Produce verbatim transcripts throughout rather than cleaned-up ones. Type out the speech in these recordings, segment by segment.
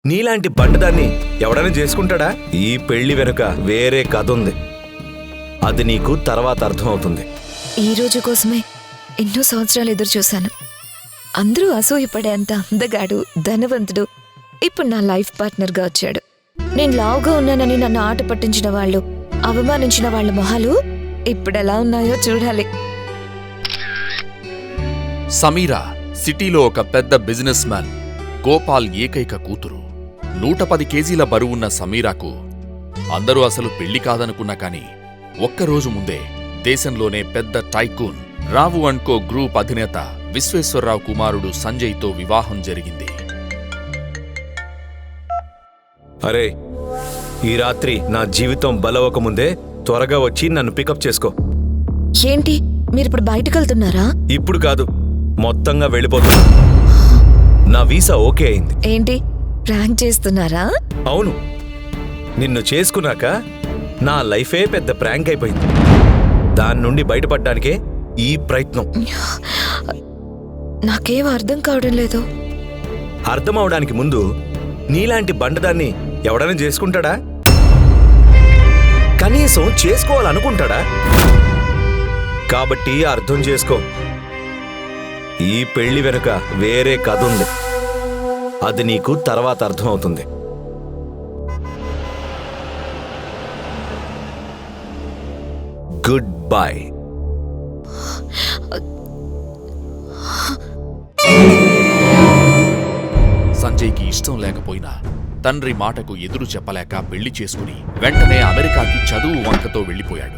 నీలాంటి బండదాన్ని ఎవడైనా చేసుకుంటాడా? ఈ పెళ్లి వెనుక వేరే కథ ఉంది. అది నీకు తర్వాత అర్థమవుతుంది. ఈ రోజు కోసమే ఎన్నో సంవత్సరాలు ఎదురు చూశాను. అందరూ అసూయపడేంత అందగాడు, ధనవంతుడు ఇప్పుడు నా లైఫ్ పార్ట్నర్గా వచ్చాడు. నేను లావుగా ఉన్నానని నన్ను ఆట పట్టించిన వాళ్ళు, అవమానించిన వాళ్ళ మొహాలు ఇప్పుడెలా ఉన్నాయో చూడాలి. సమీరా సిటీలో ఒక పెద్ద బిజినెస్ మ్యాన్ గోపాల్ ఏకైక కూతురు. నూట పది కేజీల బరువున్న సమీరాకు అందరూ అసలు పెళ్లి కాదనుకున్నా కాని ఒక్కరోజు ముందే దేశంలోనే పెద్ద tycoon Rao and co group అధినేత విశ్వేశ్వరరావు కుమారుడు సంజయ్తో వివాహం జరిగింది. అరే, ఈ రాత్రి నా జీవితం బలవకముందే త్వరగా వచ్చి నన్ను పికప్ చేసుకో. ఏంటి, మీరిప్పుడు బయటకెళ్తున్నారా? ఇప్పుడు కాదు, మొత్తంగా వెళ్ళిపోతున్నా. నా వీసా ఓకే అయింది. ఏంటి, ప్రాంక్ చేస్తున్నారా? అవును, నిన్ను చేసుకున్నాక నా లైఫే పెద్ద ప్రాంక్ అయిపోయింది. దాని నుండి బయటపడ్డానికే ఈ ప్రయత్నం. నాకేం అర్థం కావడం లేదు. అర్థం అవడానికి ముందు నీలాంటి బండదాన్ని ఎవడైనా చేసుకుంటాడా? కనీసం చేసుకోవాలనుకుంటాడా? కాబట్టి అర్థం చేసుకో, ఈ పెళ్లి వెనుక వేరే కథ ఉంది. అది నీకు తర్వాత అర్థమవుతుంది. Good bye. సంజయ్కి ఇష్టం లేకపోయినా తండ్రి మాటకు ఎదురు చెప్పలేక పెళ్లి చేసుకుని వెంటనే అమెరికాకి చదువు వంకతో వెళ్లిపోయాడు.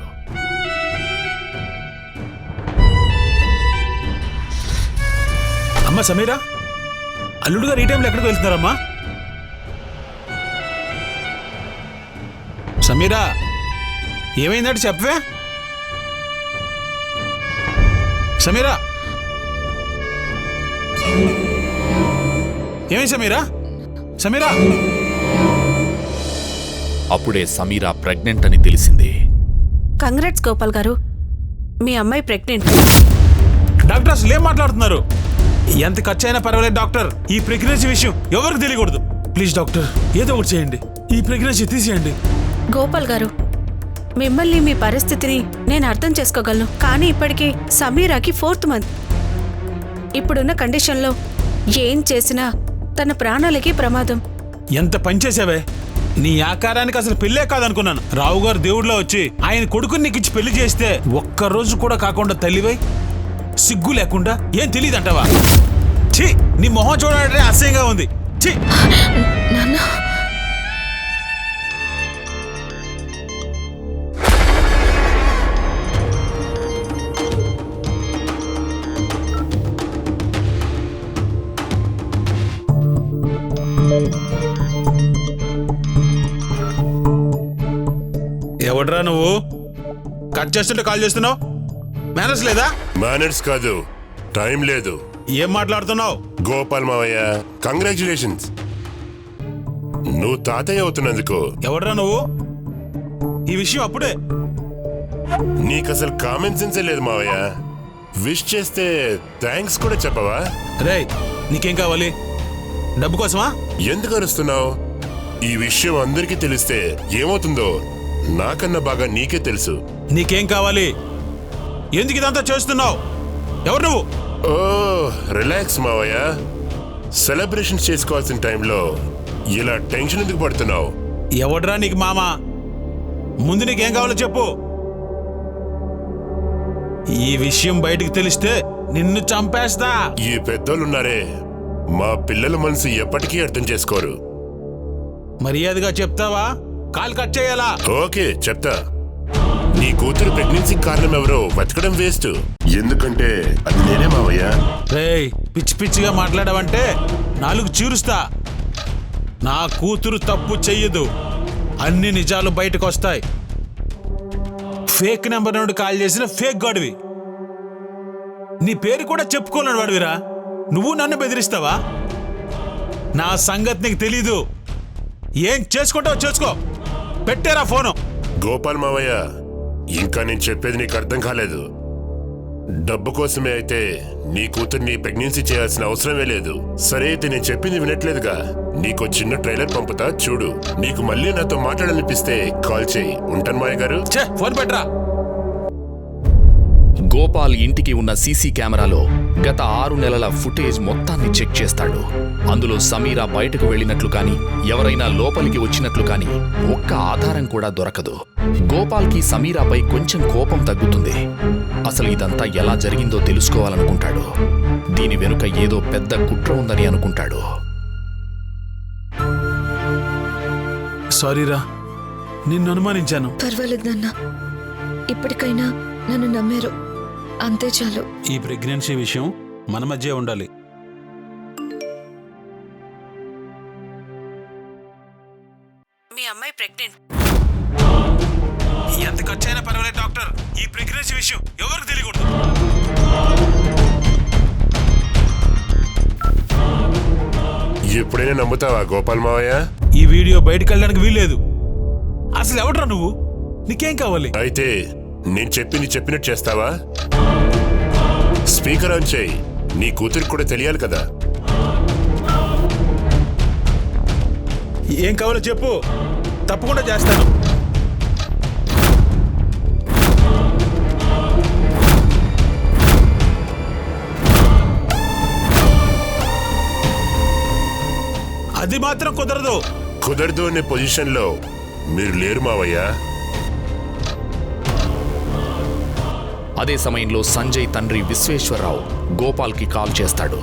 అమ్మ సమీరా, అల్లుడు గారు ఈ టైంలో ఎక్కడికి వెళ్తున్నారమ్మా? సమీరా, ఏమైందంటే చెప్పవే. సమీరా, ఏమైంది సమీరా? సమీరా. అప్పుడే సమీరా ప్రెగ్నెంట్ అని తెలిసింది. కంగ్రాట్స్ గోపాల్ గారు, మీ అమ్మాయి ప్రెగ్నెంట్. డాక్టర్ అసలు ఏం మాట్లాడుతున్నారు? ఎంత ఖర్చు అయినా పర్వాలేదు డాక్టర్, ఈ ప్రెగ్నెన్సీ విషయం ఎవరికి తెలియకూడదు. ప్లీజ్ డాక్టర్, ఏదో ఒకటి చేయండి, ఈ ప్రెగ్నెన్సీ తీసేయండి. గోపాల్ గారు, మిమ్మల్ని మీ పరిస్థితిని నేను అర్థం చేసుకోగలను. కానీ ఇప్పటికీ సమీరాకి ఫోర్త్ మంత్. ఇప్పుడున్న కండిషన్లో ఏం చేసినా తన ప్రాణాలకి ప్రమాదం. ఎంత పనిచేసావే, నీ ఆకారానికి అసలు పెళ్ళే కాదనుకున్నాను. రావు గారు దేవుడిలో వచ్చి ఆయన కొడుకుని నీకు ఇచ్చి పెళ్లి చేస్తే ఒక్కరోజు కూడా కాకుండా తల్లివై సిగ్గు లేకుండా ఏం తెలియదంటావా? ఛీ, నీ మొహం చూడాలంటే అసహ్యంగా ఉంది. ఛీ. నాన్న, ఎవడ్రా నువ్వు? కట్ చేస్తుంటే కాల్ చేస్తున్నావు? మేనర్స్ లేదా? మేనర్స్ కాదు, టైం లేదు. ఏం మాట్లాడుతున్నావు? గోపాల్ మావయ్య, కంగ్రాచులేషన్స్, నువ్వు తాతయ్య అవుతున్నందుకు. ఎవడ్రా నువ్వు? ఈ విషయం అప్పుడే. నీకసలు కామన్ సెన్సే లేదు మావయ్య. విష్ చేస్తే థ్యాంక్స్ కూడా చెప్పవా? రేయ్, నీకేం కావాలి? డబ్బు కోసమా? ఎందుకు అరుస్తున్నావు? ఈ విషయం అందరికీ తెలిస్తే ఏమవుతుందో నాకన్నా బాగా నీకే తెలుసు. నీకేం కావాలి? ఎందుకు ఇదంతా చేస్తున్నావు? ఎవరు నువ్వు? ఓ రిలాక్స్ మావయ్య, సెలబ్రేషన్స్ చేసుకోవాల్సిన టైంలో ఇలా టెన్షన్ ఎందుకు పడుతున్నావు? ఎవడ్రా నీకు మామ? ముందు నీకేం కావాలో చెప్పు. ఈ విషయం బయటికి తెలిస్తే నిన్ను చంపేస్తా. ఈ పెద్దోళ్ళున్నారే, మా పిల్లల మనసు ఎప్పటికీ అర్థం చేసుకోరు. మర్యాదగా చెప్తావా? కాల్ కట్ చేయాలా? ఓకే, చెప్తా. నీ కూతురు ప్రెగ్నెన్సీ కారణం ఎవరో వెతకడం వేస్ట్, ఎందుకంటే అది నేనే మావయ్య. రేయ్, పిచ్చి పిచ్చిగా మాట్లాడావంటే నాలుగు చీరుస్తా. నా కూతురు తప్పు చెయ్యదు, అన్ని నిజాలు బయటకు వస్తాయి. ఫేక్ నెంబర్ నుండి కాల్ చేసిన ఫేక్ గాడివి. నీ పేరు కూడా చెప్పుకోలేడు వాడివిరా. నువ్వు నన్ను బెదిరిస్తావా? నా సంగతి నీకు తెలీదు. ఏం చేసుకుంటావు చేసుకో. పెట్టారా ఫోను? గోపాల్ మావయ్య, ఇంకా నేను చెప్పేది నీకు అర్థం కాలేదు. డబ్బు కోసమే అయితే నీ కూతుర్ని ప్రెగ్నెన్సీ చేయాల్సిన అవసరమే లేదు. సరే అయితే నేను చెప్పింది వినట్లేదుగా, నీకో చిన్న ట్రైలర్ పంపుతా చూడు. నీకు మళ్ళీ నాతో మాట్లాడాలనిపిస్తే కాల్ చేయి. ఉంటాను మాయ గారు. ఛే, ఫోన్ పెట్టరా. గోపాల్ ఇంటికి ఉన్న సీసీ కెమెరాలో గత ఆరు నెలల ఫుటేజ్ మొత్తాన్ని చెక్ చేస్తాడు. అందులో సమీరా బయటకు వెళ్ళినట్లు కాని, ఎవరైనా లోపలికి వచ్చినట్లు కాని ఒక్క ఆధారం కూడా దొరకదు. గోపాల్కి సమీరాపై కొంచెం కోపం తగ్గుతుంది. అసలు ఇదంతా ఎలా జరిగిందో తెలుసుకోవాలనుకుంటాడు. దీని వెనుక ఏదో పెద్ద కుట్ర ఉందని అనుకుంటాడు. సారీరా, నిన్ను అనుమానించాను. పర్వాలేదు నాన్న, ఇప్పటికైనా నన్ను నమ్మారు, అంతే చాలు. ఈ ప్రెగ్నెన్సీ విషయం మన మధ్య ఉండాలి. మీ అమ్మాయి ప్రెగ్నెంట్. ఎంత ఖర్చు అయినా పర్వాలేదు డాక్టర్, ఈ ప్రెగ్నెన్సీ విషయం ఎవరికి తెలియకూడదు. ఎప్పుడైనా నమ్ముతావా గోపాల్ మావయ్య? ఈ వీడియో బయటకు వెళ్ళడానికి వీల్లేదు. అసలు ఎవడ్రా నువ్వు? నీకేం కావాలి? అయితే నేను చెప్పింది చెప్పినట్టు చేస్తావా? స్పీకర్ ఆన్ చేయి. నీ కూతురికి కూడా తెలియాలి కదా. ఏం కావాలో చెప్పు, తప్పకుండా చేస్తాను. అది మాత్రం కుదరదు. కుదరదు అనే పొజిషన్లో మీరు లేరు మావయ్య. అదే సమయంలో సంజయ్ తండ్రి విశ్వేశ్వరరావు గోపాల్కి కాల్ చేస్తాడు.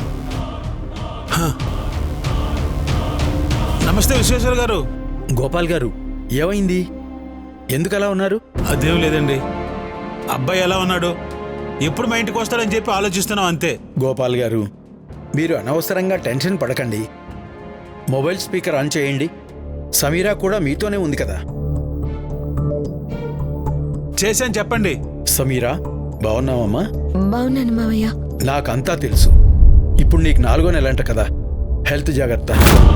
నమస్తే విశ్వేశ్వర గారు. గోపాల్ గారు, ఏమైంది? ఎందుకు అలా ఉన్నారు? అదేం లేదండి, అబ్బాయి ఎలా ఉన్నాడు, ఎప్పుడు మా ఇంటికి వస్తాడని చెప్పి ఆలోచిస్తున్నాం అంతే. గోపాల్ గారు, మీరు అనవసరంగా టెన్షన్ పడకండి. మొబైల్ స్పీకర్ ఆన్ చేయండి. సమీరా కూడా మీతోనే ఉంది కదా. చేశాను, చెప్పండి. సమీరా, బాగున్నావమ్మా? బాగున్నాను మావయ్య. నాకంతా తెలుసు. ఇప్పుడు నీకు నాలుగో నెలంట కదా, హెల్త్ జాగ్రత్త.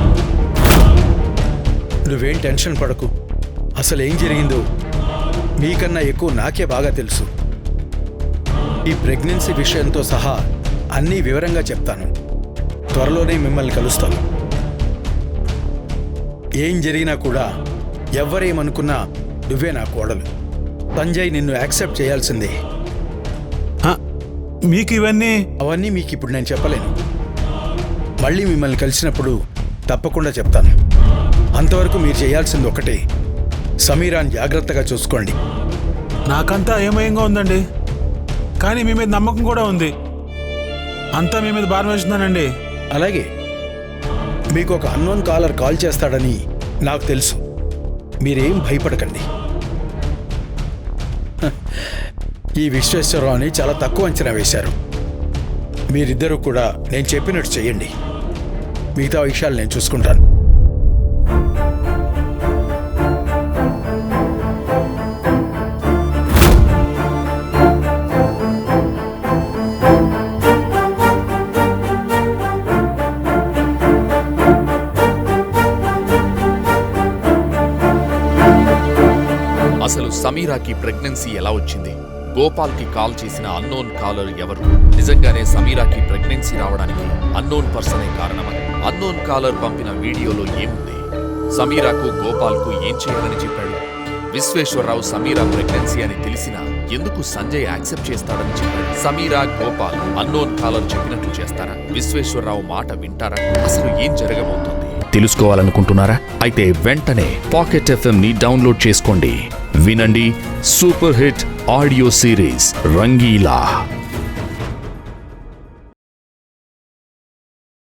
నువ్వేం టెన్షన్ పడకు. అసలు ఏం జరిగిందో మీకన్నా ఎక్కువ నాకే బాగా తెలుసు. ఈ ప్రెగ్నెన్సీ విషయంతో సహా అన్నీ వివరంగా చెప్తాను. త్వరలోనే మిమ్మల్ని కలుస్తాను. ఏం జరిగినా కూడా ఎవ్వరేమనుకున్నా నువ్వే నా కోడలు. సంజయ్ నిన్ను యాక్సెప్ట్ చేయాల్సిందే. మీకు ఇవన్నీ అవన్నీ మీకు ఇప్పుడు నేను చెప్పలేను. మళ్ళీ మిమ్మల్ని కలిసినప్పుడు తప్పకుండా చెప్తాను. అంతవరకు మీరు చేయాల్సింది ఒకటే, సమీరాన్ జాగ్రత్తగా చూసుకోండి. నాకంతా ఏమయంగా ఉందండి, కానీ మీ మీద నమ్మకం కూడా ఉంది. అంతా మీ మీద భారం వేస్తున్నానండి. అలాగే మీకు ఒక అన్నోన్ కాలర్ కాల్ చేస్తాడని నాకు తెలుసు. మీరేం భయపడకండి. హ, ఈ విశ్వేశ్వరరావుని చాలా తక్కువ అంచనా వేశారు. మీరిద్దరూ కూడా నేను చెప్పినట్టు చెయ్యండి. మిగతా విషయాలు నేను చూసుకుంటాను. అసలు సమీరాకి ప్రెగ్నెన్సీ ఎలా వచ్చింది? గోపాల్కి కాల్ చేసిన అన్నోన్ కాలర్ ఎవరు? నిజంగానే సమీరాకి ప్రెగ్నెన్సీ రావడానికి అన్నోన్ పర్సనే కారణమా? అన్నోన్ కాలర్ పంపిన వీడియోలో ఏముంది? సమీరాకు గోపాల్కు ఏం చేయాలని చెప్పాడు? విశ్వేశ్వరరావు సమీరా ప్రెగ్నెన్సీ అని తెలిసినా ఎందుకు సంజయ్ యాక్సెప్ట్ చేస్తాడని చెప్పాడు? సమీరా, గోపాల్ అన్నోన్ కాలర్ చెప్పినట్లు చేస్తారా? విశ్వేశ్వరరావు మాట వింటారా? అసలు ఏం జరగబోతోంది తెలుసుకోవాలనుకుంటున్నారా? అయితే వెంటనే పాకెట్ ఎఫ్ఎం ని డౌన్లోడ్ చేసుకోండి. వినండి super hit audio series Rangeela.